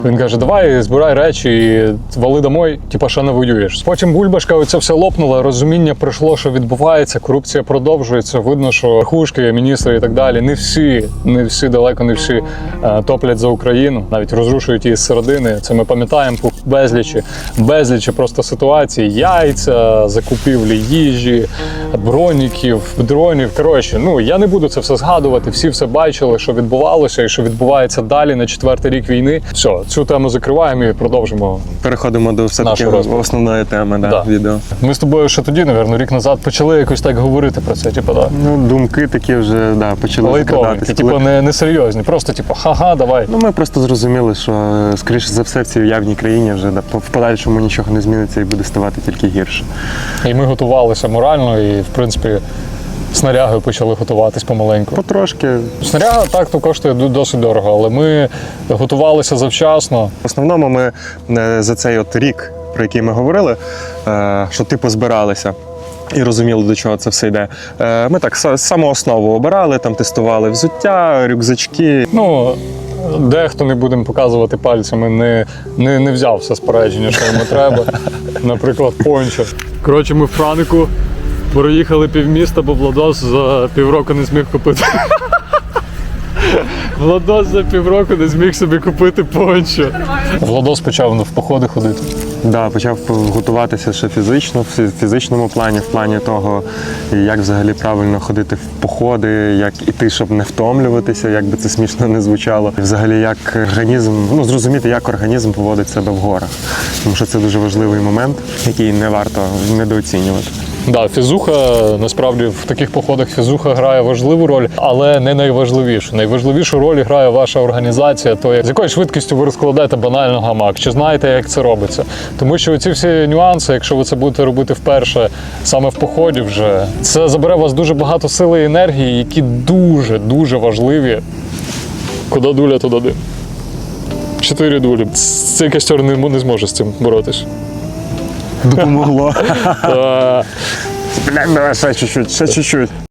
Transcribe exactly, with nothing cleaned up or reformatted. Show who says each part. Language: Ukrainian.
Speaker 1: Він каже, давай збирай речі і вали домой, типа ще не воюєш. Потім бульбашка оця все лопнула, розуміння прийшло, що відбувається, корупція продовжується, видно, що верхушки, міністри і так далі, не всі, не всі, далеко не всі е, топлять за Україну, навіть розрушують її зсередини. Це ми пам'ятаємо по безлічі, безлічі просто ситуації, яйця, закупівлі їжі, броніків, дронів. Коротше, ну я не буду це все згадувати, всі все бачили, що відбувалося і що відбувається далі на четвертий рік війни. Все, цю тему закриваємо і продовжимо.
Speaker 2: Переходимо до все-таки основної теми да,
Speaker 1: да.
Speaker 2: відео.
Speaker 1: Ми з тобою ще тоді, напевно, рік назад почали якось так говорити про це, типу, да.
Speaker 2: Ну, думки такі вже да, почали закрадатися.
Speaker 1: Типу не, не серйозні, просто типу, ха-ха, давай.
Speaker 2: Ну, ми просто зрозуміли, що, скоріше за все, в цій уявній країні вже да, в подальшому нічого не зміниться і буде ставати тільки гірше.
Speaker 1: І ми готувалися морально і, в принципі, снарягою почали готуватись помаленьку.
Speaker 2: Потрошки.
Speaker 1: Снаряга так то коштує досить дорого, але ми готувалися завчасно.
Speaker 2: В основному ми за цей от рік, про який ми говорили, що типу збиралися і розуміли, до чого це все йде. Ми так саму основу обирали, там тестували взуття, рюкзачки.
Speaker 1: Ну, дехто, не будемо показувати пальцями, не, не, не взяв все спорядження, що йому треба. Наприклад, пончо. Коротше, ми в Франику проїхали півміста, бо Владос за півроку не зміг купити. Владос за півроку не зміг собі купити пончо. Владос почав в походи ходити.
Speaker 2: Да, почав готуватися ще фізично, в фізичному плані, в плані того, як взагалі правильно ходити в походи, як іти, щоб не втомлюватися, як би це смішно не звучало. І взагалі, як організм, ну, зрозуміти, як організм поводить себе в горах. Тому що це дуже важливий момент, який не варто недооцінювати.
Speaker 1: Да, фізуха, насправді в таких походах фізуха грає важливу роль, але не найважливішу. Найважливішу роль грає ваша організація, то з якою швидкістю ви розкладаєте банально гамак, чи знаєте, як це робиться. Тому що ці всі нюанси, якщо ви це будете робити вперше, саме в поході вже, це забере у вас дуже багато сили і енергії, які дуже-дуже важливі. Куди дуля, туди дим. Чотири дулі. Цей костер не, не зможе з цим боротись.
Speaker 2: Допомогло. Бля, давай ще чуть-чуть, ще чуть-чуть.